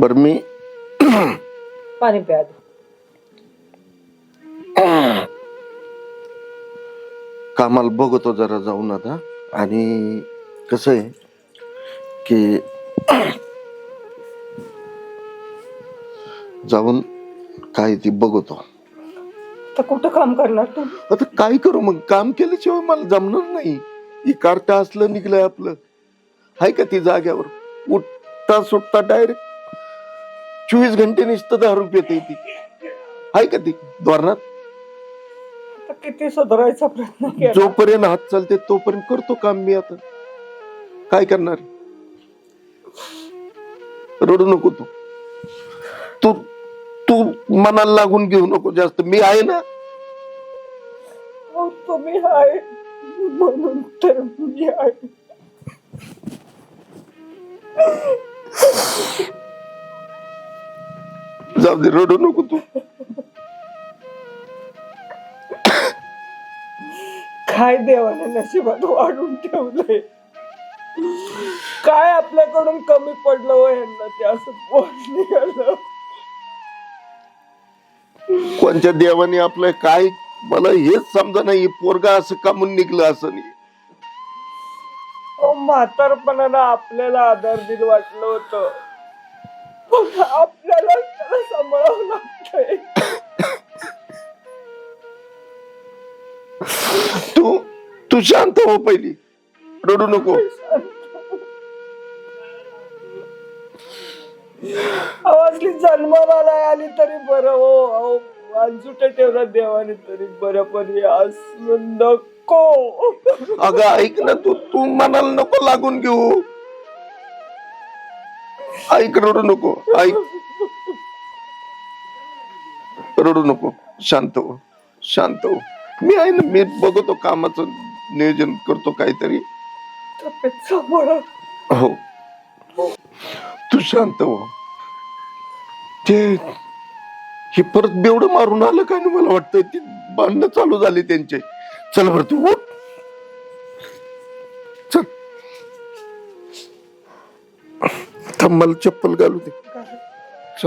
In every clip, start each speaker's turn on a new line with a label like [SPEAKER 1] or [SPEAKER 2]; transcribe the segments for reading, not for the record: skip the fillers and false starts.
[SPEAKER 1] बर मी
[SPEAKER 2] पाणी प्या आधी.
[SPEAKER 1] कामाला बघतो जरा जाऊन आता. आणि कसं आहे की जाऊन काय ती बघतो.
[SPEAKER 2] तर कुठं काम करणार तू?
[SPEAKER 1] आता काय करू मग, काम केल्याशिवाय मला जमणार नाही. ही कार्ट असलं निघलंय आपलं, हाय का ती जाग्यावर उठता सुटता डायरेक्ट 24 घंटे नुसतं दारू पिते ती, हाय का ती धोरणात.
[SPEAKER 2] आता किती सुधारायचा प्रयत्न केला.
[SPEAKER 1] जोपर्यंत हात चालते तोपर्यंत करतो काम मी. आता काय करणार. रडू नको तू तू तू मनाला लागून घेऊ नको जास्त. मी आहे ना.
[SPEAKER 2] हो, तुम्ही आहे म्हणून तर मी आहे.
[SPEAKER 1] जाऊ दे, रडू नको तू.
[SPEAKER 2] काय देवाने नशिबात वाढून ठेवलंय. काय आपल्याकडून कमी पडलं हो यांना, ते असं बोल निघालं.
[SPEAKER 1] कोणत्या देवाने आपलं काय, मला हेच समजा नाही. पोरगा असं कामून निघलं असं नाही.
[SPEAKER 2] म्हातारपणाला आपल्याला आधार दिल वाटलं होतं, पण आपल्याला त्याला सांभाळावं लागतंय.
[SPEAKER 1] तू तू शांत हो पहिली, रडू नको.
[SPEAKER 2] आवाजली जन्माला आली तरी बरं हो. अहो वांजुट ठेवला देवाने तरी बरं, पण हे असलं नको.
[SPEAKER 1] अगं ऐक ना, तू तू मनाला नको लागून घेऊ. ऐक, रडू नको. ऐक, रडू नको. शांत हो, शांत हो. मी आहे ना, मी बघतो कामाचं नियोजन करतो काहीतरी.
[SPEAKER 2] तब्येत सांभाळा.
[SPEAKER 1] हो, तू शांत हो. ते हे परत बेवडं मारून आलं काय ना, मला वाटतं ती भांडणं चालू झाली त्यांचे. चल बरं तू उठ. चल, थांब मला चप्पल घालू दे. चल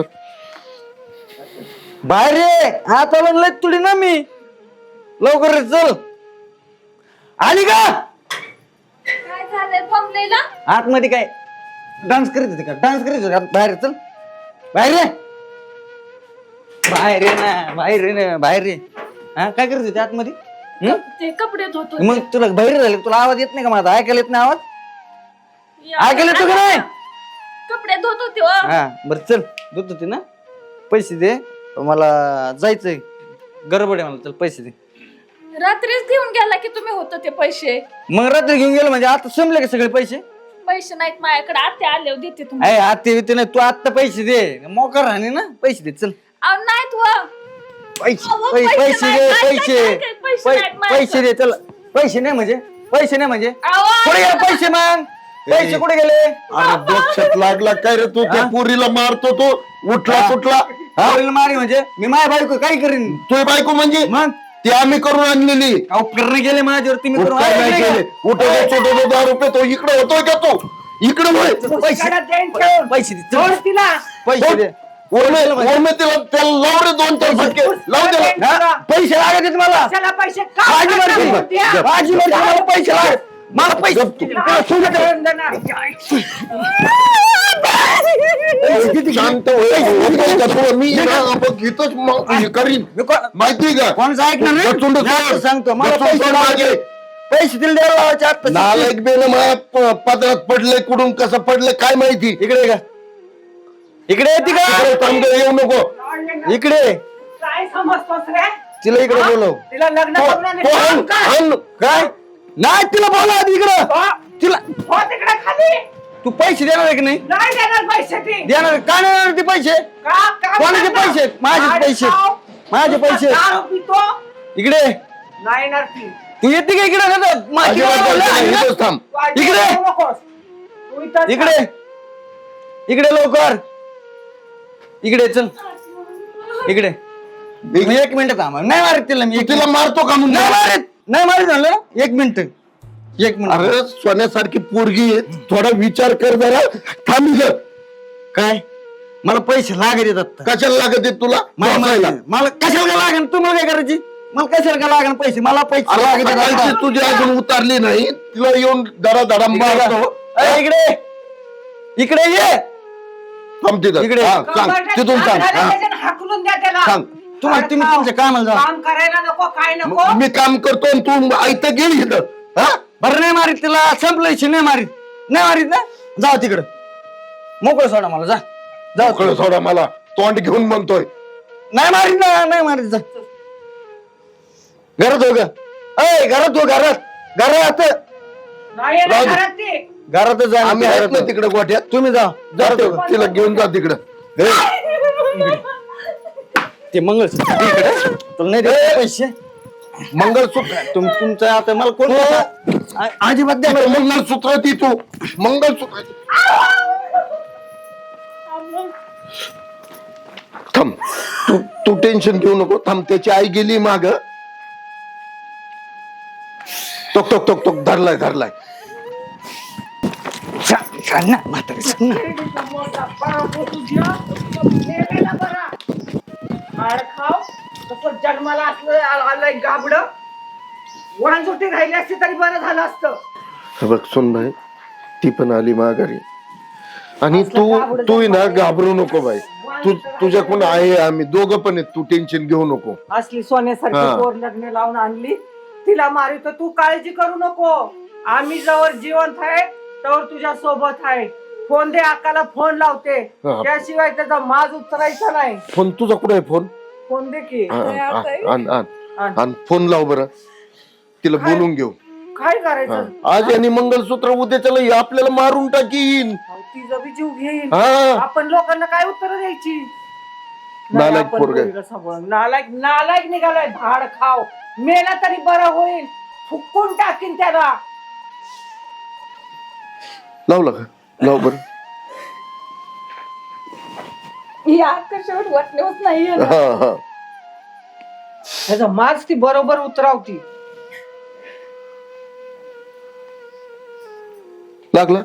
[SPEAKER 3] बाहेर रे, आता म्हणलं तुडी ना मी. लवकर रे, चल. आली का?
[SPEAKER 4] काय झालंय थांबलेला?
[SPEAKER 3] आतमध्ये काय डान्स करीत होते का? डान्स करीत होते का? बाहेर चल, बाहेर रे, बाहेर रे ना, बाहेर रे ना, बाहेर रे. हा, काय करत होते आतमध्ये?
[SPEAKER 4] ते कपडे धुतो.
[SPEAKER 3] मग तुला बाहेर झाले, तुला आवाज येत नाही का माझा? ऐकायला येत नाही आवाज? ऐकायला येतो का नाही?
[SPEAKER 4] कपडे धुत होते हो.
[SPEAKER 3] हा बरं, चल. धुत होती ना, पैसे दे. मला जायचंय, गडबड आहे मला. चल पैसे दे.
[SPEAKER 4] रात्रीच घेऊन गेला की तुम्ही होत ते पैसे.
[SPEAKER 3] मग रात्री घेऊन गेलो म्हणजे आता संपले का सगळे पैसे?
[SPEAKER 4] पैसे नाहीत माझ्याकडे, आते आले देते तुम्ही.
[SPEAKER 3] अरे आते येते नाही, तू आत्ता पैसे दे. मोकार राहणे ना, पैसे दे. चल
[SPEAKER 4] अहो नाहीत हो.
[SPEAKER 3] पैसे
[SPEAKER 4] अहो,
[SPEAKER 3] पैसे
[SPEAKER 4] पैसे
[SPEAKER 3] दे.
[SPEAKER 4] नाही,
[SPEAKER 3] पैसे
[SPEAKER 4] काय, काय, पैसे नाहीत माझ्याकडे.
[SPEAKER 3] पैसे दे. चल, पैसे नाही म्हणजे, पैसे नाही म्हणजे
[SPEAKER 4] अहो,
[SPEAKER 3] कुठे गेले पैसे? मग पैसे कुठे गेले?
[SPEAKER 1] अरे डोक्यात लागला काय रे तू? त्या पोरीला मारतो तो, उठला सुटला.
[SPEAKER 3] आवडील मारी म्हणजे मी माझ्या बायको काय करीन?
[SPEAKER 1] तुझी बायको म्हणजे
[SPEAKER 3] मग
[SPEAKER 1] ती आम्ही करून आणलेली.
[SPEAKER 3] अहो करणे गेले माझ्यावरती, मी करून
[SPEAKER 1] काय नाही
[SPEAKER 3] आणले
[SPEAKER 1] केले.
[SPEAKER 3] का?
[SPEAKER 1] उठवतो छोटो 10 रुपये. तो इकडे होतोय का? तो इकडे होय.
[SPEAKER 3] पैसे दे. चल,
[SPEAKER 2] तिला
[SPEAKER 3] पैसे दे.
[SPEAKER 1] ओरमे तिला त्याला लाव रे 2-4 फटके लाव त्याला.
[SPEAKER 3] हा? पैसे लागत आहेत मला.
[SPEAKER 2] त्याला पैसे
[SPEAKER 3] माझी मर्जी, माझी मर्जी. मला पैसे लागत. मला पैसे
[SPEAKER 1] शांत होय. मी ना आपण घेतोच मग हे करीन. माहिती का?
[SPEAKER 3] कोणाचं ऐकणार नाही?
[SPEAKER 1] गचुंड
[SPEAKER 3] नाही, सांगतो मला
[SPEAKER 1] गचुंड
[SPEAKER 3] पैसे
[SPEAKER 1] मागे.
[SPEAKER 3] लागले. पैसे दिले द्यायला लावायचे आता.
[SPEAKER 1] नालायक बेन माझ्या पदरात पडले. कुठून कसं पडले काय माहिती.
[SPEAKER 3] इकडे ये का? इकडे येते का?
[SPEAKER 1] इकडे थांब रे, येऊ नको.
[SPEAKER 3] इकडे
[SPEAKER 2] काय समजतोस रे?
[SPEAKER 3] तिला इकडे बोलव.
[SPEAKER 2] तिला लग्न
[SPEAKER 1] तो-
[SPEAKER 2] करून
[SPEAKER 1] तो आण, आण.
[SPEAKER 3] काय नाही, तिला बोलव आधी इकडं. तिला
[SPEAKER 2] हो तिकडे खाली.
[SPEAKER 3] तू पैसे देणार आहे की नाही?
[SPEAKER 2] नाही देणार पैसे ती.
[SPEAKER 3] देणार आहे. का नाही देणार ते पैसे?
[SPEAKER 2] का
[SPEAKER 3] कोणाचे पैसे? माझे पैसे. माझे पैसे.
[SPEAKER 2] दारू पितो.
[SPEAKER 3] इकडे
[SPEAKER 2] नाही येणार ती.
[SPEAKER 3] तू येते का इकडे? नाही तर माझी
[SPEAKER 1] अजिबात
[SPEAKER 3] बायको
[SPEAKER 1] जायचं नाही,
[SPEAKER 3] आहे.
[SPEAKER 1] इथंच थांब.
[SPEAKER 3] इकडे.
[SPEAKER 2] येऊ नकोस. तू इथंच
[SPEAKER 3] इकडे इकडे लवकर. इकडे चल. इकडे मी 1 मिनिट थांब. नाही मारत तिला मी.
[SPEAKER 1] तिला मारतो का म्हणून?
[SPEAKER 3] नाही मारत. नाही मारत झालं. 1 मिनिट. 1 मिनिट.
[SPEAKER 1] अरे सोन्यासारखी पोरगी आहे. थोडा विचार कर जरा. थांब इथं.
[SPEAKER 3] काय मला पैसे लागत येतात
[SPEAKER 1] कशाला लागत आहेत तुला बसायला?
[SPEAKER 3] मला कशाला का लागेल तुम्हाला काय करायची मला कशाला का लागेल पैसे मला पैसे
[SPEAKER 1] अरे
[SPEAKER 3] लागत आहेत
[SPEAKER 1] सकाळची
[SPEAKER 3] आता.
[SPEAKER 1] तुझी अजून उतरली नाही तिला येऊन धडा मारतो.
[SPEAKER 3] ए, इकडे इकडे ये
[SPEAKER 1] थांब तिथं.
[SPEAKER 3] इकडे.
[SPEAKER 1] हा, सांग तिथून सांग. हा,
[SPEAKER 2] हाकलून द्या त्याला
[SPEAKER 1] सांग.
[SPEAKER 3] तुम्ही तुमच्या कामाला जा
[SPEAKER 2] काम करायला नको काय नको
[SPEAKER 1] मी काम करतो आणि तू ऐकत गेली इथं. हा?
[SPEAKER 3] बरं नाही मारीत तिला संपलं नाही मारीत ना जाऊ तिकडं मोकळं सोडा मला जा जाऊ
[SPEAKER 1] मोकळं सोडा मला तोंड घेऊन म्हणतोय.
[SPEAKER 3] नाही मारीत जा घरात हो ग अय घरात हो घरात
[SPEAKER 2] नाही येणार
[SPEAKER 1] राहू दे.
[SPEAKER 2] घरात ती.
[SPEAKER 3] घरातच जा
[SPEAKER 1] आम्ही आहेत ना तिकडे गोठ्यात.
[SPEAKER 3] तुम्ही जा
[SPEAKER 1] जातो तिला घेऊन जा तिकडं. हे,
[SPEAKER 3] ते मंगळसूत्र दे इकडे तुला नाही देत पैसे
[SPEAKER 1] मंगळसूत्र
[SPEAKER 3] तुमचं आता मला कोण अजिबात द्या
[SPEAKER 1] तिथं मंगळसूत्र ती तू मंगळसूत्र थांब तू टेन्शन घेऊ नको थांब त्याची आई गेली माग टोक टोक टोक टोक धरलाय
[SPEAKER 3] सांग ना म्हातारी सांग ना
[SPEAKER 2] मेलेला बरा. हाड खाव तसं जन्माला असलं आलंय गाबड वळणसुट्टी राहिली असती तरी बरं झालं असतं.
[SPEAKER 1] हे बघ सुन भाई ती पण आली माघारी आणि तू ना घाबरू नको बाई तुझ्याकडून आहे आम्ही दोघं पण आहेत तू टेन्शन घेऊ नको.
[SPEAKER 2] असली सोन्यासारखी
[SPEAKER 1] हा.
[SPEAKER 2] पोर लग्न लावून आणली तिला मारितो तू काळजी करू नको आम्ही जवळ जिवंत आहे तर तुझ्या सोबत आहे. फोन दे अक्काला फोन लावते
[SPEAKER 1] हा.
[SPEAKER 2] त्याशिवाय त्याचा माज उतरायचा नाही.
[SPEAKER 1] फोन तुझा कुठे आहे फोन
[SPEAKER 2] फोन दे की
[SPEAKER 1] आण फोन लाव बरं तिला बोलून घेऊ.
[SPEAKER 2] काय करायचं
[SPEAKER 1] आज आणि मंगळसूत्र उद्याच्याला हे आपल्याला मारून टाकीन.
[SPEAKER 2] तिचा बी जीव घेईन
[SPEAKER 1] हा
[SPEAKER 2] आपण लोकांना काय उत्तर द्यायची.
[SPEAKER 1] नालायक
[SPEAKER 2] नाही, आपण
[SPEAKER 1] पोरगं आहे.
[SPEAKER 2] पोरीला सांभाळून. नालायक निघालाय भाड खाव मेला तरी बरं होईल फुकून टाकीन त्याला.
[SPEAKER 1] लावला का लाव बरं.
[SPEAKER 4] या कशावर वाटणेच नाहीये ना.
[SPEAKER 1] हा
[SPEAKER 2] त्याचा माज ती बरोबर उतरावती.
[SPEAKER 1] लागला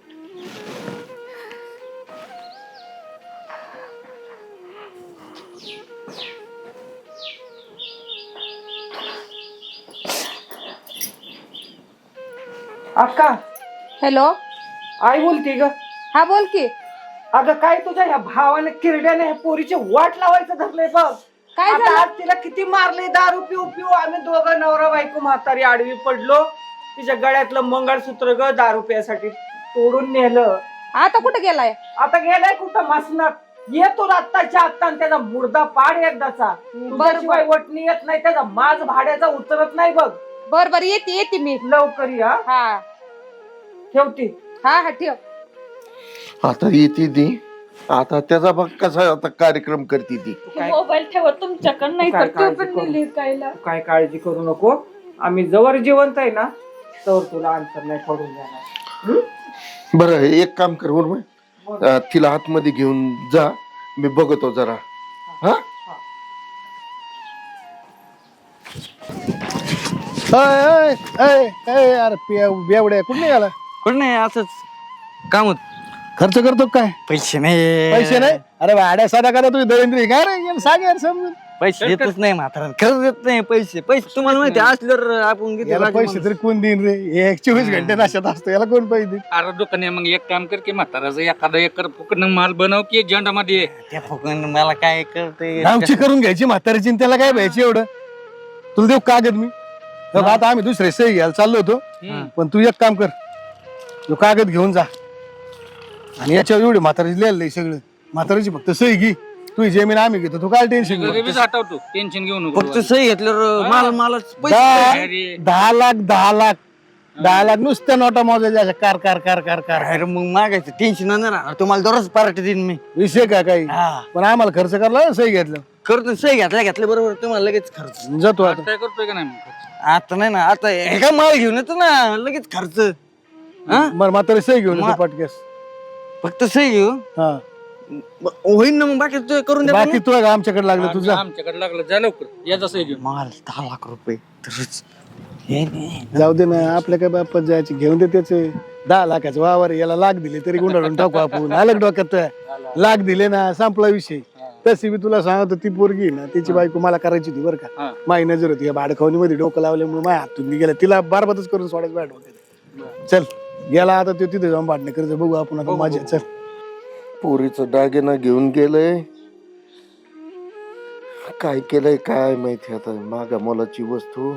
[SPEAKER 2] अक्का
[SPEAKER 4] हॅलो
[SPEAKER 2] आई बोलती ग.
[SPEAKER 4] हा बोल की
[SPEAKER 2] अगं काय तुझ्या ह्या भावाने किरड्याने ह्या पोरीचे वाट लावायचं धरलंय बघ.
[SPEAKER 4] काय
[SPEAKER 2] आता
[SPEAKER 4] झालं?
[SPEAKER 2] आज तिला किती मारले दारू पिऊ पिऊ आम्ही दोघं नवरा बायको म्हातारी आडवी पडलो. तिच्या गळ्यातलं मंगळसूत्र ग दारू प्यासाठी तोडून नेलं.
[SPEAKER 4] आता कुठे गेलाय
[SPEAKER 2] आता गेलाय कुठं मासनात येतो आत्ताच्या आत्ता आणि त्याचा मुर्दा पाड एकदाचा. तुझ्याशिवाय वटणी येत नाही त्याचा माज भाड्याचा उतरत नाही बघ.
[SPEAKER 4] बर येते मी
[SPEAKER 2] लवकर या
[SPEAKER 4] हा
[SPEAKER 2] ठेवती.
[SPEAKER 4] हा ठेव.
[SPEAKER 1] आता येते ती आता त्याचा बघ कसा आता कार्यक्रम करते ती.
[SPEAKER 4] मोबाईल ठेवा तुमच्याकडे नाही
[SPEAKER 2] काय
[SPEAKER 4] तर तो
[SPEAKER 2] काळजी
[SPEAKER 4] पण
[SPEAKER 2] करू?
[SPEAKER 4] नेली कायला.
[SPEAKER 2] काय काळजी करू नको आम्ही जवळ जिवंत आहे ना तर तुला अंतर नाही पडून जाणार.
[SPEAKER 1] बरं एक काम कर उर्मिला, तिला आतमध्ये घेऊन जा मी बघतो जरा. हा
[SPEAKER 5] अरे बेवड्या कुठे निघाला
[SPEAKER 3] कोण नाही असंच काम होत
[SPEAKER 5] खर्च करतो काय
[SPEAKER 3] पैसे नाही
[SPEAKER 5] पैसे नाही अरे भाड्या साधा करा तुम्ही दरिंद्री काय रे याला सांग यार समजून
[SPEAKER 3] पैसे देतच नाही म्हातारा खरंच देत नाही पैसे तुम्हाला माहिती असल्यावर आपण किती
[SPEAKER 5] याला
[SPEAKER 3] राजी
[SPEAKER 5] पैसे
[SPEAKER 3] माणूस.
[SPEAKER 5] तरी कोण देईन रे हे 24 घंटे नाशात असतो याला कोण पैसे देईन
[SPEAKER 6] अरे दुकाने मग एक काम कर की म्हाताराचं एखादा एकर फुकट माल बनव की झेंडा मध्ये
[SPEAKER 3] त्या फुकून मला काय करते
[SPEAKER 5] गावची करून घ्यायची म्हातारीची आणि त्याला काय पाहिजे एवढं तुला देऊ कागद मी बघ, आता आम्ही दुसरे सही घ्यायला चाललो होतो पण तू एक काम कर तो कागद घेऊन जा आणि याच्यावर एवढी म्हातारीची लिहायला नाही सगळं म्हातारीची फक्त सही घे तुझी जमीन आम्ही घेतो तू काय टेन्शन घेऊ
[SPEAKER 6] लगेच आठवतो टेन्शन घेऊ नको
[SPEAKER 3] फक्त सही घेतल्यावर मालच पैसे
[SPEAKER 6] अरे
[SPEAKER 5] 10 लाख नुसत्या नोटा मोजायच्या अशा car car car car car
[SPEAKER 3] अरे मग मागायचं टेन्शन नाही राहणार तुम्हाला दररोज पार्टी देईन मी
[SPEAKER 5] विषय का काही
[SPEAKER 3] हा
[SPEAKER 5] पण आम्हाला खर्च करला ना सही घेतलं
[SPEAKER 3] करतो सही घेतल्या बरोबर तुम्हाला लगेच खर्च
[SPEAKER 5] जातो आता
[SPEAKER 6] काय करतोय का नाही मग?
[SPEAKER 3] आता नाही ना आता हे का माल घेऊन येतो ना लगेच खर्च हा
[SPEAKER 5] बरं म्हातारी सही घेऊन येतो पटकेस
[SPEAKER 3] फक्त सही घेऊ
[SPEAKER 5] हा
[SPEAKER 3] होईन ना मग बाकी तू करून दे
[SPEAKER 5] बाकी तू आमच्याकडे लागलं तुझा
[SPEAKER 6] आमच्याकडे लागलं जा लवकर याचा सही घेऊन
[SPEAKER 3] माल 10 लाख रुपये तरच हे नाही
[SPEAKER 5] जाऊ दे ना आपल्या काय बापात जायचे घेऊन दे त्याचे 10 लाखाचं वावर याला लाख दिले तरी गुंडाळून टाकू आपण. आलं डोक्यात लाख दिले ना संपला विषय. तशी मी तुला सांगतो ती पोरगी आहे ना तिची बायको मला करायची होती बरं का. माझी नजर होती भाडखावणी मध्ये डोकं लावल्यामुळे माझ्या हातून गेला. तिला बारबातच करून सोडायचं बाहेर डोक्यात. चल गेला आता तो तिथे जाऊन भांडणं करतो. बघू आपण आता माझ्या. चल
[SPEAKER 1] पोरीचं दागिना घेऊन गेलंय. काय केलंय काय माहिती आता. मागा मोलाची वस्तू.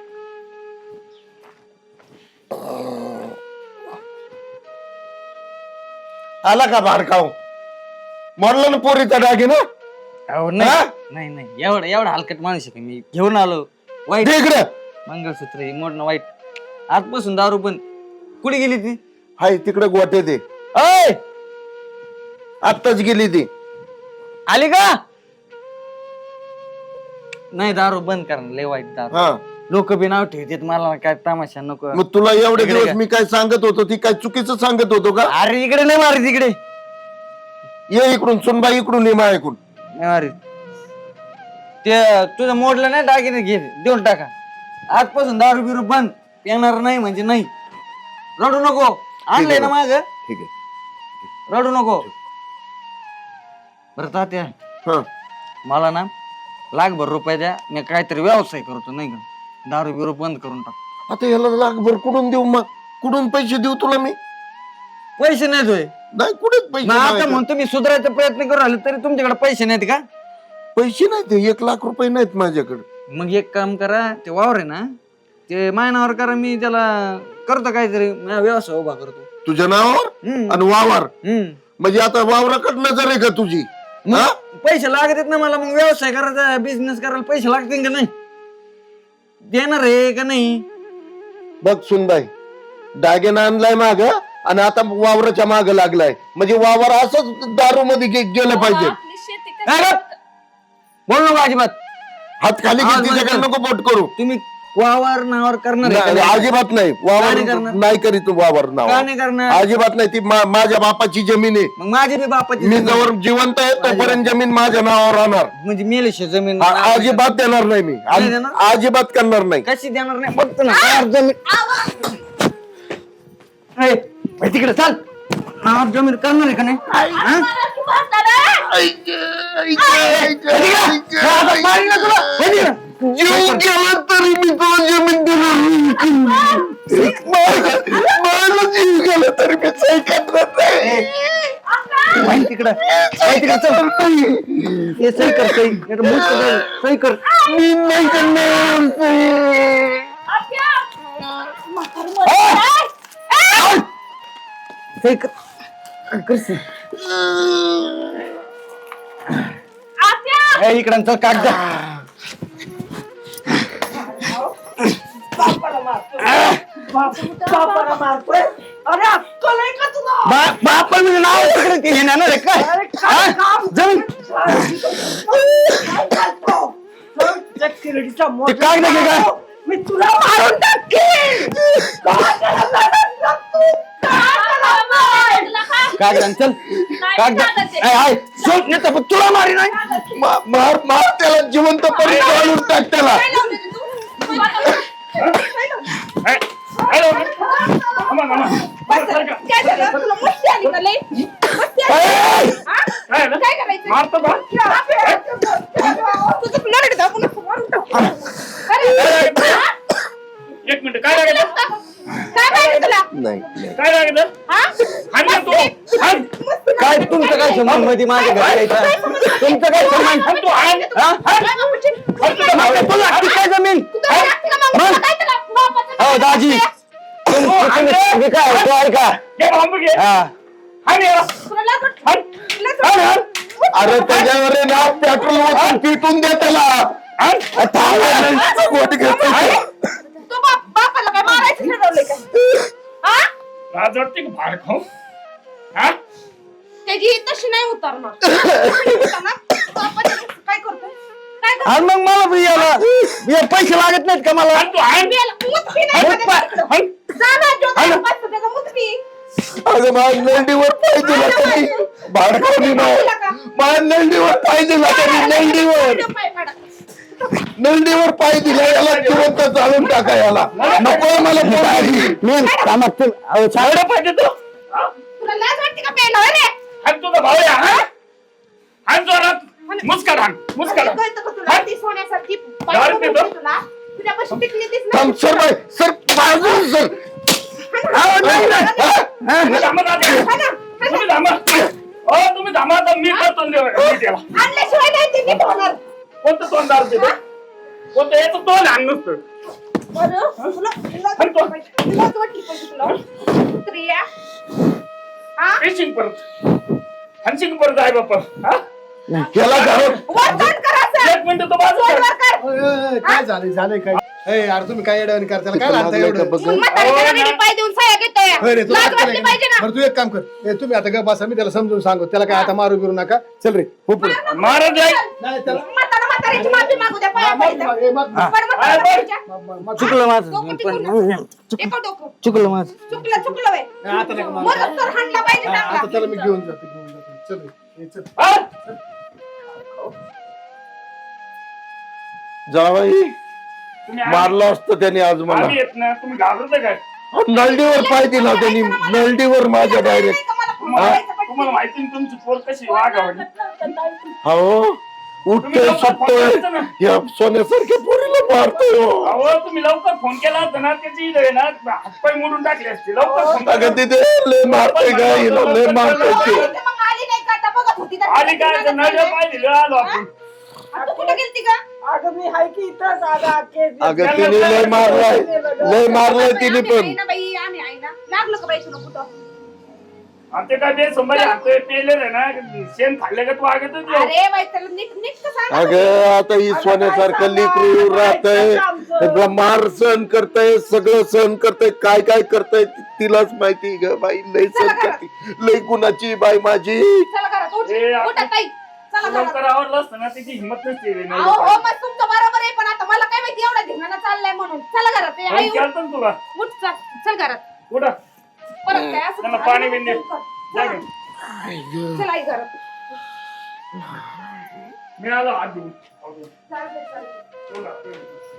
[SPEAKER 1] आला का भाडकाव. म्हणलं ना पोरीचा दागिना.
[SPEAKER 3] अहो, नाही नाही एवढा हलकट माणूस आहे का मी. घेऊन आलो वाईट
[SPEAKER 1] इकडे
[SPEAKER 3] मंगळसूत्र हे मोडणं वाईट. आजपासून दारू पण. कुठे गेली ती?
[SPEAKER 1] हाय तिकडे गोटे ते. अय आत्ताच गेली ती.
[SPEAKER 3] आली का? नाही दारू बंद करा लय वाईट दारू.
[SPEAKER 1] हा
[SPEAKER 3] लोक बी नाव ठेवतात मला काय तमाशा नको.
[SPEAKER 1] मग तुला एवढे
[SPEAKER 3] इकडे
[SPEAKER 1] दिवस
[SPEAKER 3] का?
[SPEAKER 1] मी काय सांगत होतो ती काय चुकीचं सांगत होतो का.
[SPEAKER 3] अरे इकडे नाही मारी तिकडे
[SPEAKER 1] ये इकडून सुनबाई इकडून ये ऐकून.
[SPEAKER 3] नाही मारी. ते तुझं मोडलं नाही दागिने घे देऊन टाका. आजपासून दारू बिरू बंद. येणार नाही म्हणजे नाही. रडू नको. आणलंय ना माझ.
[SPEAKER 1] ठीक आहे.
[SPEAKER 3] रडू नको. बरं तात्या
[SPEAKER 1] हा
[SPEAKER 3] मला ना लाखभर रुपये द्या. मी काहीतरी व्यवसाय करतो नाही का. दारू बिरू बंद करून टाक.
[SPEAKER 1] आता याला लाखभर कुठून देऊ मग. कुठून पैसे देऊ तुला मी.
[SPEAKER 3] पैसे नाहीत होय.
[SPEAKER 1] नाही कुठेच पैसे
[SPEAKER 3] मग आता
[SPEAKER 1] नाही.
[SPEAKER 3] म्हणतो मी सुधारायचा प्रयत्न करू राहिले तरी तुमच्याकडे पैसे नाहीत का.
[SPEAKER 1] पैसे नाही ते 1 लाख रुपये नाहीत माझ्याकडे.
[SPEAKER 3] मग एक काम करा. ते वावर आहे ना ते मायनावर करा. मी त्याला करतो काहीतरी माझा व्यवसाय उभा करतो.
[SPEAKER 1] तुझ्या नावावर
[SPEAKER 3] हम्म.
[SPEAKER 1] आणि वावर.
[SPEAKER 3] हम्म.
[SPEAKER 1] म्हणजे आता वावराकडे नजर आहे का तुझी.
[SPEAKER 3] मग
[SPEAKER 1] हा?
[SPEAKER 3] पैसे लागत ना मला. मग व्यवसाय करायचा बिझनेस करायला पैसे लागतील का नाही. देणार आहे का नाही.
[SPEAKER 1] बघ सुनबाई दागिना आणलाय माग आणि आता वावराच्या माग लागलाय. म्हणजे वावर असंच दारू मध्ये गेलं पाहिजे.
[SPEAKER 4] आपली शेती
[SPEAKER 3] काय
[SPEAKER 4] कशी
[SPEAKER 3] रे? बोल नको अजिबात.
[SPEAKER 1] हात खाली
[SPEAKER 3] हा,
[SPEAKER 1] तिच्याकडे
[SPEAKER 3] बरं.
[SPEAKER 1] नको बोट करू.
[SPEAKER 3] तुम्ही वावर नावावर करणार आहे का
[SPEAKER 1] नाही,
[SPEAKER 3] नाही?
[SPEAKER 1] अजिबात नाही.
[SPEAKER 3] का
[SPEAKER 1] वावर
[SPEAKER 3] नाही करणार?
[SPEAKER 1] नाही करीत वावर नाव.
[SPEAKER 3] का नाही करणार.
[SPEAKER 1] अजिबात नाही. ती माझ्या बापाची जमीन आहे.
[SPEAKER 3] मग माझी बी बापाची
[SPEAKER 1] मी
[SPEAKER 3] जमीन.
[SPEAKER 1] जवळ जिवंत आहे तोपर्यंत जमीन माझ्या नावावर राहणार.
[SPEAKER 3] म्हणजे मेलेशी जमीन
[SPEAKER 1] अजिबात देणार नाही मी.
[SPEAKER 3] नाही देणार?
[SPEAKER 1] अजिबात करणार नाही.
[SPEAKER 3] कशी देणार नाही बघतो ना. जमीन ए, तिकडे चाल. नावावर जमीन करणार आहे का नाही. हा? मारीन ना तुला. हे तिकडं.
[SPEAKER 1] जीव गेला तरी मी तुला जमीन देणार नाही. माझा जीव गेला तरी मी सही करणार नाही.
[SPEAKER 3] वही तिकडं. वही तिकडं चल. हे सही कर सही. नाहीतर मुसकं जाईल. सही कर.
[SPEAKER 1] मी नाही करणार सही.
[SPEAKER 3] सही कर. कर सही. ए, इकडं चल कागद.
[SPEAKER 2] बापाला मारतोय. अरे अक्कल आहे का तुला.
[SPEAKER 3] बापा म्हणजे नाव तिकडे ते हे नेणार आहे काय.
[SPEAKER 2] अरे काय काम.
[SPEAKER 3] जमीन
[SPEAKER 2] काय करतो? चल, त्या किरडीचा मोठ
[SPEAKER 3] ते कागद घे काय.
[SPEAKER 2] मी तुला मारून टाकेन. काय करायला लागला तू? काय करायला?
[SPEAKER 3] कागद चल. कागद हाय सोड नाही तर तुला मारी नाही.
[SPEAKER 1] मार मार त्याला जिवंत परी घालून टाक त्याला.
[SPEAKER 4] काय झालं? तुला मस्ती आली का लई? मस्ती आली? हा? काय करायचं?
[SPEAKER 6] मारतो का?
[SPEAKER 4] तुझं नरड दाबून असं मारून टाकू. अरे, हा?
[SPEAKER 6] एक मिनिट काय लागेल.
[SPEAKER 4] काय पाहिजे तुला?
[SPEAKER 1] नाही
[SPEAKER 6] काय लागेल.
[SPEAKER 4] हा?
[SPEAKER 6] हाण ना तू. हाण.
[SPEAKER 3] काय तुमचं काय संबंध मध्ये माझ्या घरी यायचं? तुमचं काय संबंध.
[SPEAKER 6] हाण तू. हाण.
[SPEAKER 3] हा?
[SPEAKER 4] काय बाबूची?
[SPEAKER 3] तुला लागते काय जमीन.
[SPEAKER 4] तुला लागते का मग? तुला काय तुला बापाचं
[SPEAKER 3] हो दाजी तुम्ही काय तो आहे का.
[SPEAKER 6] घे बांबू घे.
[SPEAKER 3] हा.
[SPEAKER 6] हाण याला.
[SPEAKER 4] तुला लागत?
[SPEAKER 6] हाण.
[SPEAKER 3] हाण, हाण.
[SPEAKER 1] अरे त्याच्यावर आहे ना पेट्रोल ओतून पिटून दे त्याला. गोट घेतो.
[SPEAKER 4] तू बापाला काय मारायचं ठरवलंय का? हा?
[SPEAKER 6] लाज वाटते का भाड खाऊ. हा
[SPEAKER 4] त्याची तशी नाही उतरणार. बापाचं काय करतोय? काय करतोय?
[SPEAKER 3] आणि मग मला बी याला पैसे लागत नाहीत का मला.
[SPEAKER 6] हाण तू. हाण.
[SPEAKER 4] मेला. मुतकी नाही
[SPEAKER 3] हाण.
[SPEAKER 4] माझ्या
[SPEAKER 6] हाण.
[SPEAKER 4] जा ना, जो काय बसतो त्याचा मुतकी.
[SPEAKER 1] अगं माझ्या नंदीवर पाय दिला तरी भाडखावली ना. माझ्या नंदीवर पाय दिला तरी नंदीवर.
[SPEAKER 4] पाय पाडा.
[SPEAKER 1] नंदीवर पाय दिला याला जिवंत चालून टाका याला नको मला
[SPEAKER 5] मी कामात
[SPEAKER 6] एवढं पाहिजे तू हा?
[SPEAKER 4] तुला लाज वाटते का प्यायला होय रे?
[SPEAKER 6] हाण तुझा भाऊ आहे, हा? हाण जोरात मुस्कान हाण मुस्कान हाण.
[SPEAKER 4] कळतं का तुला? ती सोन्यासारखी
[SPEAKER 6] दारू
[SPEAKER 4] बायको
[SPEAKER 6] पितो?
[SPEAKER 4] भेटली तुला तुझ्यापाशी टिकली तीच
[SPEAKER 1] थांब
[SPEAKER 4] नाही.
[SPEAKER 1] सर बाई सर बाजू सर
[SPEAKER 6] तुम्ही थांबा दादा. तुम्ही थांबा. तुम्ही थांबा आता मी करतो मी त्याला.
[SPEAKER 4] आणल्याशिवाय नाही ती नीट होणार.
[SPEAKER 6] कोणतं तोंड दारू पितो? कोणतं याचं तोंड हाण नुसतं.
[SPEAKER 4] बरं, तुला
[SPEAKER 6] हाण तो.
[SPEAKER 4] लाज वाटली पाहिजे तुला. स्त्रिया. हा?
[SPEAKER 6] पेशिंग परत हाणशील परत आहे बाप्पा हा?
[SPEAKER 1] याला घालून
[SPEAKER 4] वर तोंड करायचं.
[SPEAKER 6] एक मिनिट तो बाजू
[SPEAKER 4] वर
[SPEAKER 6] कर.
[SPEAKER 4] कर.
[SPEAKER 5] काय झालंय काय यार तुम्ही काय येडवणी करताय काय लागतं एवढं
[SPEAKER 4] मग म्हाताऱ्याच्या नडीने पाय देऊन साया घेतोय.
[SPEAKER 5] होय रे, तुला
[SPEAKER 4] लाज
[SPEAKER 5] अक्कल
[SPEAKER 4] वाटली
[SPEAKER 5] आहे
[SPEAKER 4] पाहिजे
[SPEAKER 5] का?
[SPEAKER 4] ना.
[SPEAKER 5] बरं तू एक काम कर तुम्ही आता ग बसा मी त्याला समजून सांगू त्याला काय आता मारू बिरू नका चल रे हो पुढे
[SPEAKER 6] महाराज आहे.
[SPEAKER 5] नाही त्याला
[SPEAKER 4] म्हाताऱ्याची माफी मागू द्या पाया पडायचं. बरं,
[SPEAKER 6] हा,
[SPEAKER 4] म्हाताऱ्याच्या.
[SPEAKER 3] चुकलं माझं
[SPEAKER 4] डोकं
[SPEAKER 3] मी
[SPEAKER 4] टिकून
[SPEAKER 3] पण
[SPEAKER 4] टाक. एका डोकं.
[SPEAKER 3] चुकलं माझं.
[SPEAKER 4] चुकलं व्हय.
[SPEAKER 5] आता नका मारू.
[SPEAKER 4] मरत तर हाणला पाहिजे
[SPEAKER 5] आता
[SPEAKER 4] चांगला.
[SPEAKER 5] त्याला मी घेऊन जातो चल रे चल
[SPEAKER 6] हा?
[SPEAKER 1] जावाई
[SPEAKER 6] तुम्ही
[SPEAKER 1] मारलं असतं त्याने आज मला
[SPEAKER 6] आम्ही येत ना तुम्ही घाबरता काय
[SPEAKER 1] नळडीवर पाय दिला त्यांनी नळडीवर माझ्या डायरेक्ट
[SPEAKER 6] तुम्हाला माहिती ना तुमची पोर कशी वागावली
[SPEAKER 1] हो उठतोय सुटतोय या सोन्यासारख्या पोरीला मारतोय हो.
[SPEAKER 6] अहो तुम्ही लवकर फोन केला होता ना त्याची इथं आहे ना हातपाय मोडून टाकले असते लवकर फोन केला.
[SPEAKER 1] अगं तिथे लय मारतोय का हिला लय मारतोय ते
[SPEAKER 4] मग आली नाही का आता बघत होती तर.
[SPEAKER 6] आली काय तर नळ्या पाय दिले आलो आपण
[SPEAKER 4] आणि तू कुठे गेलती का?
[SPEAKER 2] अगं मी हाय की इथंच
[SPEAKER 1] अगं तिने लय मारलाय तिने
[SPEAKER 4] आम्ही आहे
[SPEAKER 1] पण
[SPEAKER 4] ना बाई, आम्ही आहे ना. लागलं का बाई तुला कुठं?
[SPEAKER 6] आमचे काय ते संभाजी हातोय पेले रे ना शेण खाल्ले का तू आगत
[SPEAKER 4] अरे बाई त्याला नीट नीट तर सांग.
[SPEAKER 1] अगं आता ही सोन्यासारखं लेकरू राहतय मार सहन करतय सगळं सहन करतय काय काय करतय तिलाच माहिती ग बाई लय सहन करते लय गुणाची बाई माझी
[SPEAKER 4] चला घरात उठ.
[SPEAKER 6] ए, आपण-
[SPEAKER 4] उठा ताई. चला घरात.
[SPEAKER 6] लवकर आवडलं असतं ना त्याची हिंमत नसते रे
[SPEAKER 4] अहो हो मग तुमचं बरोबर आहे पण आता मला काय माहिती एवढा धिंगाणा चाललाय म्हणून. चला घरात. ए, आई, उठ.
[SPEAKER 6] केलं ना तुला
[SPEAKER 4] उठ चल. चल घरात.
[SPEAKER 6] कुठं
[SPEAKER 4] परत काय असं
[SPEAKER 6] त्यांना पाणी बिन दे. जा घेऊन.
[SPEAKER 4] चला आई घरात.
[SPEAKER 6] मी आलो हात घेऊन
[SPEAKER 4] चालतंय, चालतंय.
[SPEAKER 6] तुला